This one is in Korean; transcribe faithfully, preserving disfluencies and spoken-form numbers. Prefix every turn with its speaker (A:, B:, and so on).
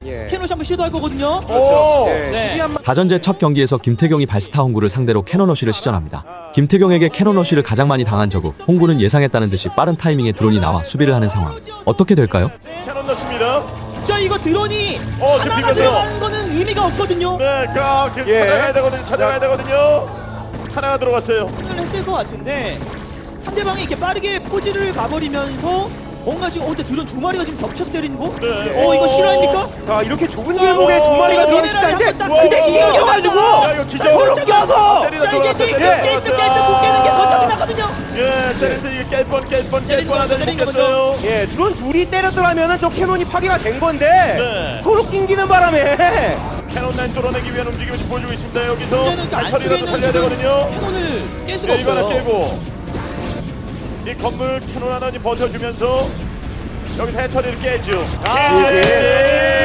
A: 예.
B: 캐논 한번 시도할 거거든요.
A: 오,
B: 네.
A: 네. 수비한
C: 다전제 첫 경기에서 김태경이 발스타 홍구를 상대로 캐논러쉬를 시전합니다. 김태경에게 캐논러쉬를 가장 많이 당한 저국, 홍구는 예상했다는 듯이 빠른 타이밍에 드론이 나와 수비를 하는 상황. 어떻게 될까요?
D: 캐논 넣습니다.
B: 자, 이거 드론이
D: 어, 지금
B: 하나가
D: 비벼서.
B: 들어가는 거는 의미가 없거든요.
D: 네, 깍 지금
A: 예.
D: 찾아가야 되거든요. 찾아가야 되거든요. 하나가 들어갔어요.
B: 을 했을 것 같은데 상대방이 이렇게 빠르게 포지를 가버리면서 뭔가 지금 어 근데 드론 두 마리가 지금 겹쳐서 때리는 거?
D: 네.
B: 어 이거
D: 어.
B: 실화입니까?
A: 자 이렇게 좁은 길목에 두
D: 어,
A: 마리가
D: 어,
A: 들어있다는데
B: 미네랄이 한번
A: 근데
B: 딱
A: 이겨가지고
D: 야, 이거 기적.
A: 서로 껴서
D: 때리다
B: 자 이게
D: 들어갔어요.
B: 지금
D: 때리다
B: 게이트
D: 들어갔어요.
B: 게이트 못 깨는 게 더 짜증나거든요.
D: 예, 때리는데 이게 깰 뻔, 깰 뻔, 깰
B: 때리는
D: 뻔 하더니
B: 거죠,
D: 못
B: 때리는
D: 깼어요.
A: 예 드론 둘이 때렸더라면은 저 캐논이 파괴가 된 건데
D: 네.
A: 서로 낑기는 바람에
D: 캐논 라인 뚫어내기 위한 움직임을 지금 보여주고 있습니다. 여기서
B: 문제는 그 안쪽에
D: 처리라도
B: 있는
D: 살려야
B: 지금
D: 되거든요.
B: 캐논을 깰 수가
D: 네, 이거 하나
B: 없어요.
D: 깨고 이 건물 캐논 하나 버텨주면서 여기서 해처리를 깨죠. 아,
A: 네.
D: 진짜.